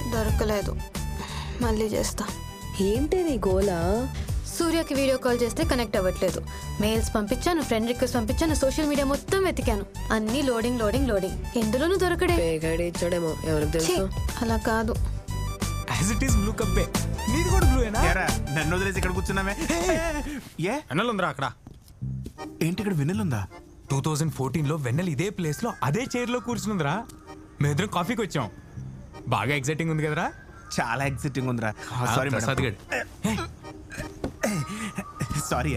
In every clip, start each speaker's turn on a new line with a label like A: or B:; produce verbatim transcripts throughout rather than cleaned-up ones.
A: దొరకలేదు. మళ్ళీ చేస్తా.
B: ఏంటి నీ గోలా?
A: సూర్యకి వీడియో కాల్ చేస్తే కనెక్ట్ అవ్వట్లేదు. మెయిల్స్ పంపించాను, ఫ్రెండ్ రిక్వెస్ట్ పంపించాను, సోషల్ మీడియా మొత్తం వెతికాను. అన్ని లోడింగ్ లోడింగ్ లోడింగ్. ఎందులోనూ దొరకడే.
B: ఇచ్చాడేమో, ఎవరికి తెలుసు.
A: అలా కాదు.
C: యాజ్ ఇట్ ఈస్ బ్లూ కప్పే. నీది కూడా బ్లూయేనా?
D: ఏరా నన్ను వదిలేసి ఇక్కడ కూర్చున్నామే. ఏ
C: వెన్నెల ఉందిరా అక్కడ.
D: ఏంటి ఇక్కడ వెన్నెల ఉందా?
C: టూ థౌజండ్ ఫోర్టీన్ లో వెన్నెల ఇదే ప్లేస్ లో అదే చైర్ లో కూర్చుందిరా. మేమిద్దరం కాఫీకి వచ్చాం. బాగా ఎక్సైటింగ్ ఉంది కదరా?
D: చాలా ఎక్సైటింగ్ ఉందిరా. సారీ
C: ప్రసాద్.
D: సారీ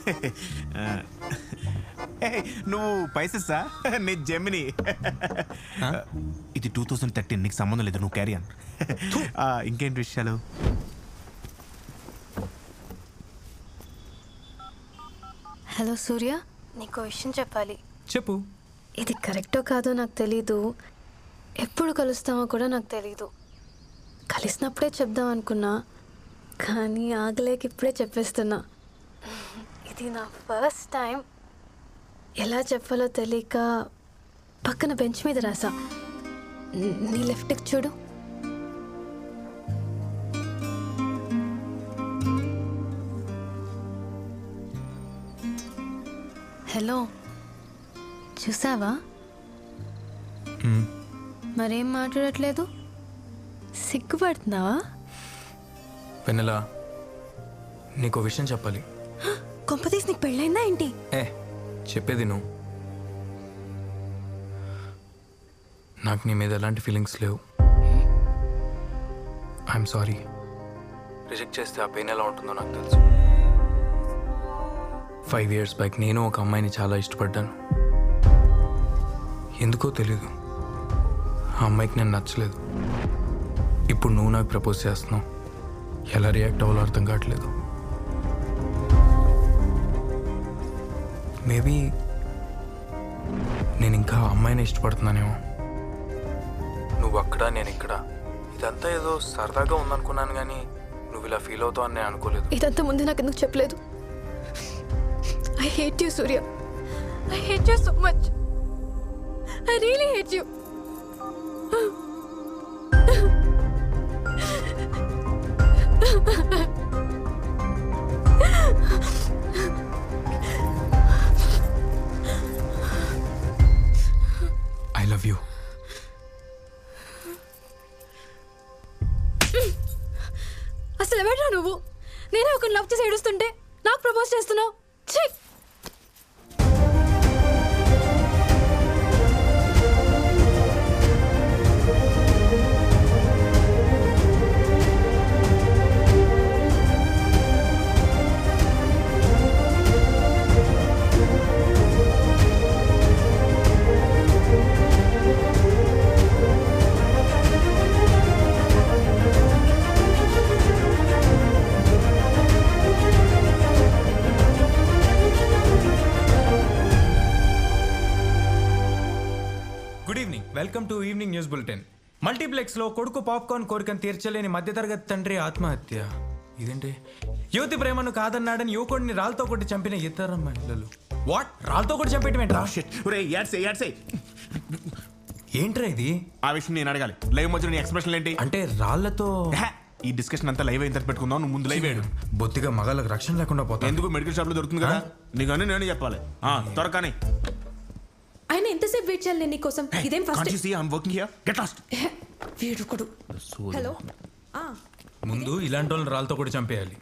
D: నువ్వు పైసెస్సా? నీ జెమిని. ఇది టూ థౌజండ్ థర్టీన్, నీకు సంబంధం లేదు, నువ్వు క్యారీ అన్. ఇంకేంటి విషయాలు?
A: హలో సూర్య, నీకు విషయం చెప్పాలి.
C: చెప్పు.
A: ఇది కరెక్టో కాదో నాకు తెలీదు, ఎప్పుడు కలుస్తామో కూడా నాకు తెలీదు. కలిసినప్పుడే చెప్దాం అనుకున్నా, కానీ ఆగలేక ఇప్పుడే చెప్పేస్తున్నా. ఇది నా ఫస్ట్ టైం. ఎలా చెప్పాలో తెలియక పక్కన బెంచ్ మీద రాసా. నీ లెఫ్ట్కి చూడు. హలో, చూసావా? మరేం మాట్లాడట్లేదు? సిగ్గుపడుతున్నావా?
C: వెన్నెల, నీకు విషయం చెప్పాలి.
A: కొంపతీసి నీకు పెళ్ళైందా ఏంటి?
C: ఏ చెప్పేది నువ్వు. నాకు నీ మీద ఎలాంటి ఫీలింగ్స్ లేవు. I'm sorry. రిజెక్ట్ చేస్తే ఆ పెయిన్ ఎలా ఉంటుందో నాకు తెలుసు. ఫైవ్ ఇయర్స్ బ్యాక్ నేను ఒక అమ్మాయిని చాలా ఇష్టపడ్డాను. ఎందుకో తెలీదు, ఆ అమ్మాయికి నేను నచ్చలేదు. ఇప్పుడు నువ్వు నాకు ప్రపోజ్ చేస్తున్నావు. ఎలా రియాక్ట్ అవ్వాలో అర్థం కావట్లేదు. మేబీ నేను ఇంకా అమ్మాయిని ఇష్టపడుతున్నానేమో. నువ్వు అక్కడ, నేను ఇక్కడ. ఇదంతా ఏదో సరదాగా ఉందనుకున్నాను, కానీ నువ్వు ఇలా ఫీల్ అవుతావు అని నేను అనుకోలేదు.
A: ఇదంతా ముందు నాకు ఎందుకు చెప్పలేదు? I hate you Surya. I hate you so much. I really hate you.
C: I love you.
A: అసలు ఎవడ్రా నువ్వు? నేనే ఒక లవ్ చేసి ఏడుస్తుంటే నాకు ప్రపోజ్ చేస్తున్నావు. ఛీ!
C: Welcome to evening news bulletin. Multiplex లో కొడుకు పాప్కార్న్ కోరికను తీర్చలేని మధ్యతరగతి తండ్రి ఆత్మహత్య. ఇదేంటి? యువతి ప్రేమను కాదన్నాడని యువకుడిని రాళ్ళతో కొట్టి చంపిన ఇతర మహిళలు. వాట్? రాళ్ళతో కొట్టి చంపేయటమేంట్రా? ఏంట్రా ఇది?
D: ఆ విషయం నేను అడగాలి. లైవ్ మధ్య నీ ఎక్స్ప్రెషన్ ఏంటి?
C: అంటే రాళ్లతో
D: ఈ డిస్కషన్ అంతా లైవ్ అయిన పెట్టుకుందాం. నువ్వు ముందు లైవ్ వేయడు.
C: బొత్తిగా మగాళ్ళకి రక్షణ లేకుండా పోతా.
D: ఎందుకు? మెడికల్ షాప్ లో దొరుకుతుంది కదా. నీకని నేను చెప్పాలి. త్వరగానే.
B: ఆయన ఎంతసేపు వెయిట్ చేయాలి నేను నీకోసం? ఇదేం first?
D: You see I am working here. Get lost.
B: వీడుకుడు. హలో. ఆ
C: ముందు ఇలాంటి వాళ్ళని రాళ్ళతో కూడా చంపేయాలి.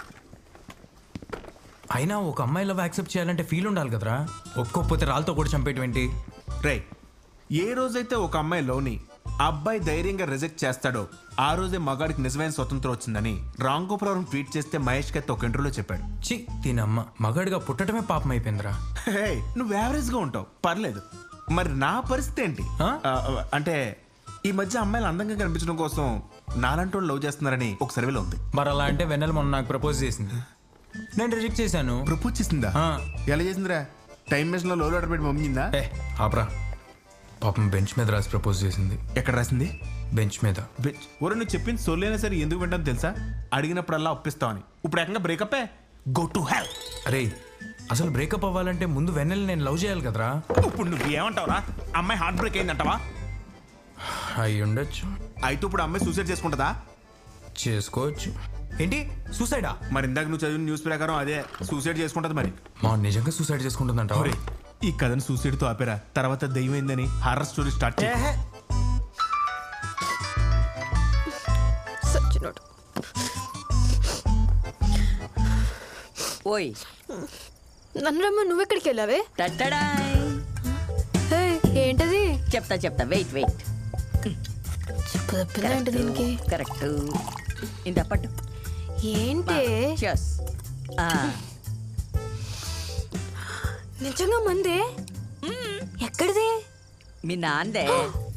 C: అయినా ఒక అమ్మాయి లవ్ యాక్సెప్ట్ చేయాలంటే ఫీల్ ఉండాలి కదరా. ఒక్కొక్కతే రాళ్ళతో కూడా చంపేయటం ఏంటి?
D: రే, ఏ రోజైతే ఒక అమ్మాయి లోని అబ్బాయి ధైర్యంగా రిజెక్ట్ చేస్తాడో ఆ రోజే మగాడికి నిజమైన స్వతంత్రం వచ్చిందని రామ్ గోపాల్ ట్వీట్ చేస్తే మహేష్ కత్తి ఒక ఇంటర్వ్యూలో చెప్పాడు.
C: చి దీనమ్మ, మగాడిగా పుట్టడమే పాపం అయిపోయిందిరా.
D: హే, నువ్వు యావరేజ్ గా ఉంటావు, పర్లేదు. మరి నా పరిస్థితి ఏంటి? అంటే ఈ మధ్య అమ్మాయిలు అందంగా కనిపించడం కోసం నాలంటి వాళ్ళు లవ్ చేస్తున్నారని ఒక సర్వేలో ఉంది.
C: మరి అలా అంటే వెన్నెల మొన్న నాకు ప్రపోజ్ చేసింది, నేను రిజెక్ట్ చేశాను.
D: ప్రపోజ్ చేసిందా? ఎలా చేసిందిరా? టైం మెషిన్ లో లోడ్ ఆర్డర్ పెట్టి మమ్మిందా?
C: ఏ ఆపరా, పాపం బెంచ్ మీద రాసి ప్రపోజ్ చేసింది.
D: ఎక్కడ రాసింది?
C: బెంచ్ మీద.
D: బెంచ్? ఒరే, నువ్వు చెప్పింది సొల్లైనా సరే ఎందుకు వింటాను తెలుసా? అడిగినప్పుడల్లా ఒప్పిస్తావని. ఇప్పుడు ఏకంగా బ్రేకప్. Go to hell.
C: అరే, అసలు బ్రేకప్ అవ్వాలంటే ముందు వెన్నెల నేను లవ్ చేయాలి కదరా.
D: ఇప్పుడు నువ్వు ఏమంటావురా? అమ్మాయి హార్ట్ బ్రేక్ అయిందంటావా?
C: అయి ఉండొచ్చు.
D: అయితే ఇప్పుడు అమ్మాయి సూసైడ్ చేసుకుంటుందా?
C: చేసుకోవచ్చు. ఏంటి సూసైడా?
D: మరి ఇందాక నువ్వు చదివిన న్యూస్ ప్రకారం అదే సూసైడ్ చేసుకుంటది. మరి
C: మా నిజంగా సూసైడ్ చేసుకుంటుందంట.
D: ఈ కథను సూసైడ్ తో ఆపేరా, తర్వాత దయ్యమైందని హారర్ స్టోరీ స్టార్ట్ చేయ.
A: సచ్చినోడు.
E: ఓయ్
A: నన్ను రమ్మ, నువ్వెక్కడికి వెళ్ళావే?
E: టట్టడాయ్.
A: హే, ఏంటది?
E: చెప్తా చెప్తా వెయిట్ వెయిట్.
A: చెప్పు తప్పిందేంటి దీనికి?
E: కరెక్ట్. ఇంత పట్టు.
A: ఏంటి?
E: చెస్.
A: నిజంగా మందే? ఎక్కడిది?
E: మీ నాందే.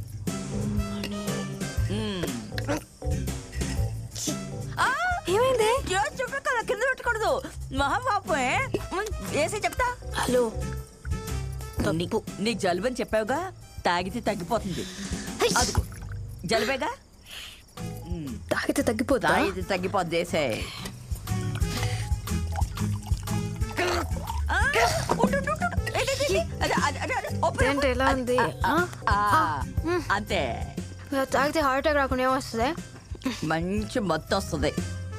A: ఏమైంది?
E: చుట్టూ కింద పెట్టకూడదు, మహాపాపే. వేసి చెప్తా.
A: హలో,
E: నీకు నీకు జలుబు అని చెప్పావుగా, తాగితే తగ్గిపోతుంది. అదిగో జలుబేగా,
A: తాగితే తగ్గిపోతా?
E: తాగితే తగ్గిపోద్ది. వేసే.
A: ఏంటి ఎలా ఉంది?
E: అంతే.
A: తాగితే హార్ట్ అటాక్ రాకుండా ఏమొస్తుంది?
E: మంచి మత్తు వస్తుంది.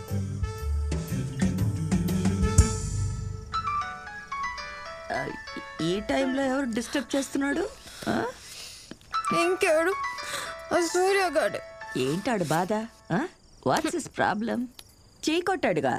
E: ఈ టైంలో ఎవరు డిస్టర్బ్ చేస్తున్నాడు?
A: ఇంకెవడు? సూర్యగాడు.
E: ఏంటాడు బాధ? What's his problem? చీ కొట్టాడుగా.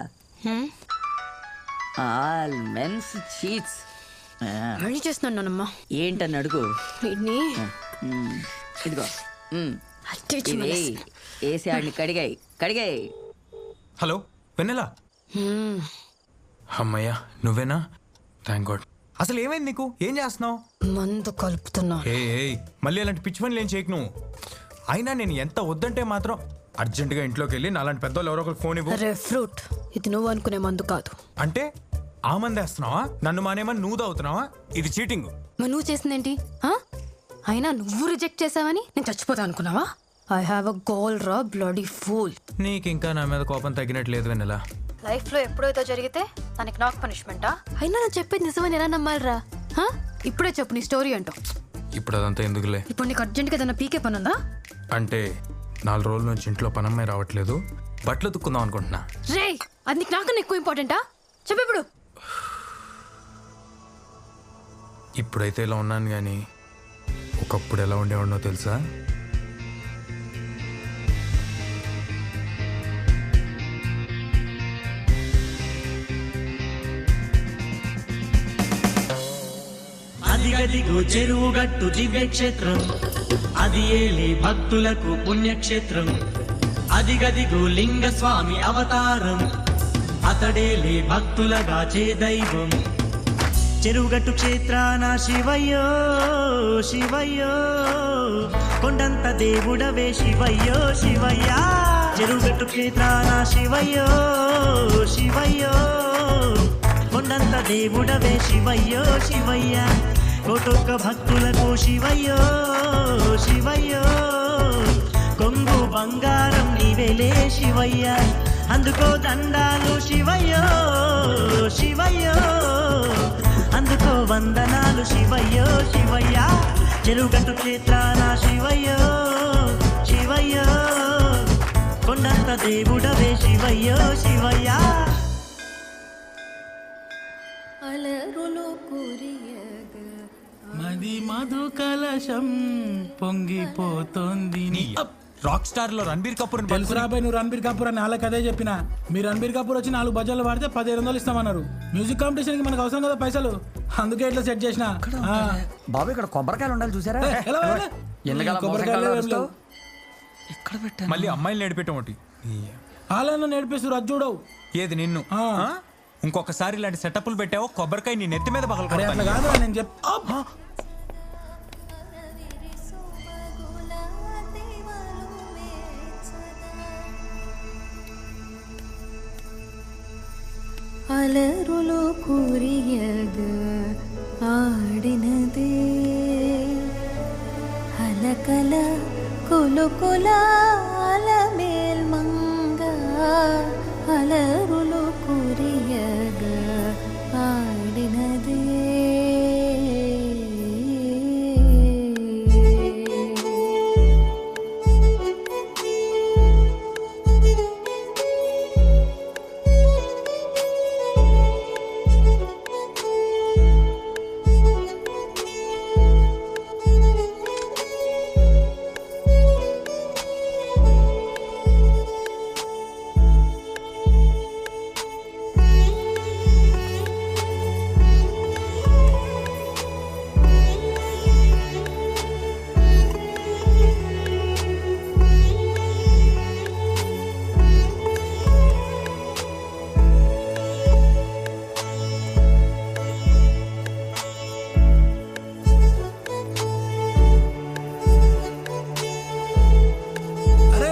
E: All men's cheats.
A: మళ్ళీ చేస్తున్నానమ్మా.
E: ఏంటని అడుగు.
A: వీడిని
E: ఇదిగో
A: అట్టించి
E: ఇది
A: మళ్ళీ.
E: వేసి ఆడిని కడిగాయి కడిగాయి.
C: హలో వెన్నెలా? అమ్మయ్యా నువ్వేనా? Thank God. అసలు ఏమైంది నీకు? ఏం చేస్తున్నావు?
A: మందు కలుపుతున్నా.
C: ఏ మళ్ళీ అలాంటి పిచ్చి పనులు ఏం చేయకు నువ్వు. అయినా నేను ఎంత వద్దంటే మాత్రం అర్జెంటుగా ఇంట్లోకి వెళ్ళి నాలాంటి పెద్దోళ్ళు ఎవరో ఒకరు ఫోన్ ఇవ్వు.
A: అరే ఫ్రూట్, ఇది నువ్వు అనుకునే మందు కాదు.
C: అంటే ఆ మంది వేస్తున్నావా? నన్ను మానేమని నువ్వు తాగుతున్నావా? ఇది చీటింగ్.
A: మరి నువ్వు చేసిందేంటి? అయినా నువ్వు రిజెక్ట్ చేసావని నేను చచ్చిపోతా అనుకున్నావా? ఐ హ్యావ్ అ గోల్ రా బ్లడీ ఫూల్.
C: నీకు ఇంకా నా మీద కోపం తగ్గినట్లేదు వెన్నెలా.
A: లైఫ్ లో ఎప్పుడైతే జరిగితే దానికి నాకు పనిష్మెంటా? అయినా నేను చెప్పేది నిజమని ఎలా నమ్మాలిరా? ఇప్పుడే చెప్పు నీ స్టోరీ అంటూ.
C: ఇప్పుడు అదంతా ఎందుకులే.
A: ఇప్పుడు నీకు అర్జెంట్గా ఏదైనా పీకే పని ఉందా?
C: అంటే నాలుగు రోజుల నుంచి ఇంట్లో పనమ్మాయి రావట్లేదు, బట్టలు తుక్కుందాం అనుకుంటున్నా.
A: రే, అది నీకు నాకన్నా ఎక్కువ ఇంపార్టెంటా? చెప్పు ఇప్పుడు.
C: ఇప్పుడైతే ఇలా ఉన్నాను కానీ ఒకప్పుడు ఎలా ఉండేవాడినో తెలుసా?
F: అదిగదిగో చెరువుగట్టు దివ్యక్షేత్రం, అది ఏలే భక్తులకు పుణ్యక్షేత్రం. అదిగదిగో లింగ స్వామి అవతారం, అతడేలే భక్తులగా చే దైవం. చెరువుగట్టు క్షేత్రాన శివయ్యో శివయ్యో, కొండంత దేవుడవే శివయ్యో శివయ్యా. చెరువుగట్టు క్షేత్రాన శివయ్యో శివయ్యో, కొండంత దేవుడవే శివయ్యో శివయ్యా. కోటొక్క భక్తులకు శివయ్యో శివయ్యో, కొంగు బంగారం నీవెలే శివయ్యా. అందుకో దండాలు శివయ్యో శివయ్యో, అందుకో వందనాలు శివయ్యో శివయ్యా. చెరువుగట్టు క్షేత్రాన శివయ్యో శివయ్యో, కొండంత దేవుడవే శివయ్యో శివయ్యా.
G: మది మధు కలశం పొంగిపోతోంది.
C: రాక్ స్టార్ లో రణబీర్ కపూర్
G: తెలుసు రాబాయ్, నువ్వు రణబీర్ కపూర్ అని వాళ్ళకి అదే చెప్పిన. మీరు రణబీర్ కపూర్ వచ్చి నాలుగు బజార్లు వాడితే పదిహేను వందలు ఇస్తామన్నారు. మ్యూజిక్ కాంపిటీషన్ కి మనకు అవసరం కదా పైసలు, అందుకే ఇట్లా సెట్ చేసిన.
H: బాబు ఇక్కడ కొబ్బరికాయలు ఉండాలి చూసారా?
C: మళ్ళీ అమ్మాయిలు నేర్పేయటం ఒకటి.
G: వాళ్ళను నేర్పిస్తారు అది చూడవు.
C: ఏది నిన్ను? ఇంకొకసారి ఇలాంటి సెటప్లు పెట్టావో కొబ్బరికాయ నీ నెత్తి మీద పగల.
G: అట్లా కాదు నేను చెప్తా.
I: అలరులో కురియగ ఆడినదే అలకల కొలుకొల అలమేల్ మంగ. అలరులో కురియగ ఆడినదే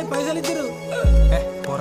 G: పైసలు ఇచ్చిర్రు.
C: ఏ, పోరా.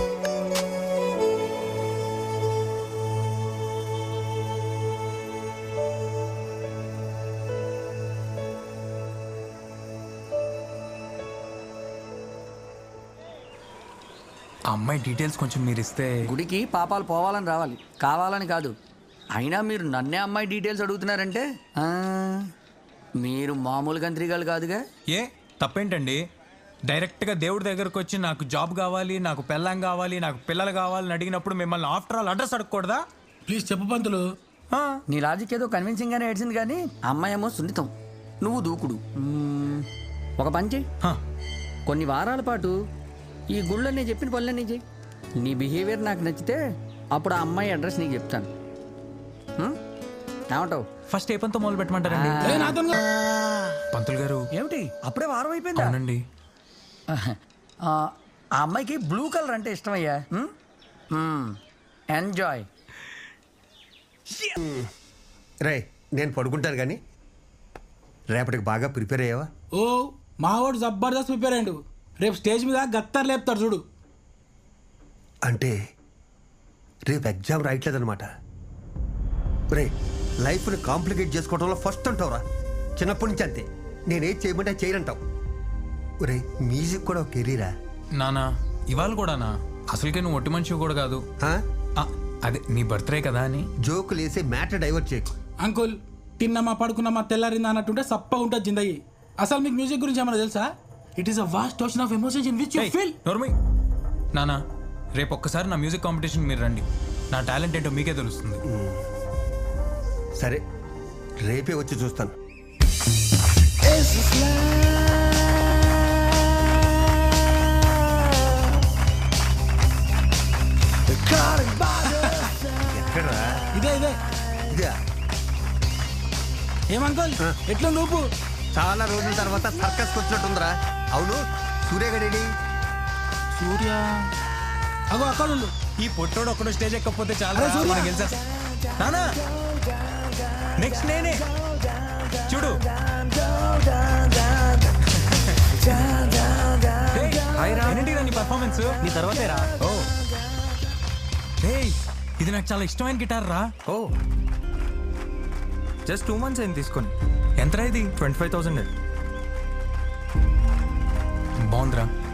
C: ఆ అమ్మాయి డీటెయిల్స్ కొంచెం మీరు ఇస్తే.
H: గుడికి పాపాలు పోవాలని రావాలి, కావాలని కాదు. అయినా మీరు నన్నే అమ్మాయి డీటెయిల్స్ అడుగుతున్నారంటే ఆ, మీరు మామూలు గంత్రిగాలు కాదుగా.
C: ఏ తప్పేంటండి? డైరెక్ట్గా దేవుడి దగ్గరకు వచ్చి నాకు జాబ్ కావాలి, నాకు పెళ్ళాం కావాలి, నాకు పిల్లలు కావాలని అడిగినప్పుడు మిమ్మల్ని ఆఫ్టర్ ఆల్ అడ్రస్ అడగకూడదా?
G: ప్లీజ్ చెప్పు పంతులు.
C: ఆ,
H: నీ లాజిక్ ఏదో కన్విన్సింగ్ గానే ఏడ్చింది కానీ అమ్మాయి ఏమో సున్నితం, నువ్వు దూకుడు. మ్మ్, ఒక పని చెయ్యి,
C: హ,
H: కొన్ని వారాల పాటు ఈ గుళ్ళో నేను చెప్పిన పనులన్నీ చెయ్యి. నీ బిహేవియర్ నాకు నచ్చితే అప్పుడు ఆ అమ్మాయి అడ్రస్ నీకు చెప్తాను. హ్మ్? ఏమంటావు?
C: ఫస్ట్ ఏ పనితో మొదలు పెట్టమంటారండి?
G: ఏ నాతో
C: పంతులు గారు.
H: ఏమిటి అప్పుడే వారం అయిపోయిందా?
C: అవునండి.
H: ఆ ఆ అమ్మాయికి బ్లూ కలర్ అంటే ఇష్టమయ్యా. ఎంజాయ్.
J: రే నేను పడుకుంటాను కానీ రేపటికి బాగా ప్రిపేర్ అయ్యావా?
G: ఓ మావాడు జబర్దస్త్ ప్రిపేర్ అయ్యిండు. రేపు స్టేజ్ మీద గత్తర్ లేపుతాడు చూడు.
J: అంటే రేపు ఎగ్జామ్ రాయట్లేదనమాట. రే లైఫ్ని కాంప్లికేట్ చేసుకోవడంలో ఫస్ట్ అంటావురా. చిన్నప్పటి నుంచి అంతే, నేనేం చేయమంటే చేయనంటావు. రే మ్యూజిక్ కూడా ఒక కెరీరా.
C: నానా ఇవాళ కూడానా? అసలుకే నువ్వు ఒట్టి మనిషి కూడా కాదు.
J: ఆ?
C: ఆ, అదే నీ బర్త్డే కదా అని.
J: జోకులు వేసి మ్యాటర్ డైవర్ట్ చేయకు.
G: అంకుల్ తిన్నమా పడుకున్నామా తెల్లారిందా అన్నట్టుంటే సప్పగా ఉంటుంది జిందగీ. అసలు మీకు మ్యూజిక్ గురించి ఏమన్నా తెలుసా? It is a vast ocean of emotions in which you feel.
C: నోర్మి నానా, రేపు ఒక్కసారి నా మ్యూజిక్ కాంపిటీషన్ మీరు రండి. నా టాలెంట్ ఏంటో మీకే తెలుస్తుంది.
J: సరే రేపే వచ్చి చూస్తాను. ఎక్కడరా?
G: ఇదే ఇదే
J: ఇదే
G: ఏమంకుల్ ఎట్లా నువ్వు?
J: చాలా రోజుల తర్వాత సర్కస్ వచ్చినట్టుందిరా. అవును సూర్యగడేడి?
G: సూర్య అగో అక్కడ ఉండు.
C: ఈ పొట్టోడు ఒక్కడు స్టేజ్ ఎక్కకపోతే చాలా
G: అరే సూర్య.
C: గెలిచా. నానా నెక్స్ట్ నేనే చూడు. ఏంటి నీ పర్ఫార్మెన్స్? నీ తర్వాతేరా. ఓ ఇది నాకు చాలా ఇష్టమైన గిటార్ రా.
K: ఓ జస్ట్ టూ మంత్స్ అయింది తీసుకొని.
C: ఎంతరా ఇది?
K: Twenty five thousand.
C: బాగుందిరా.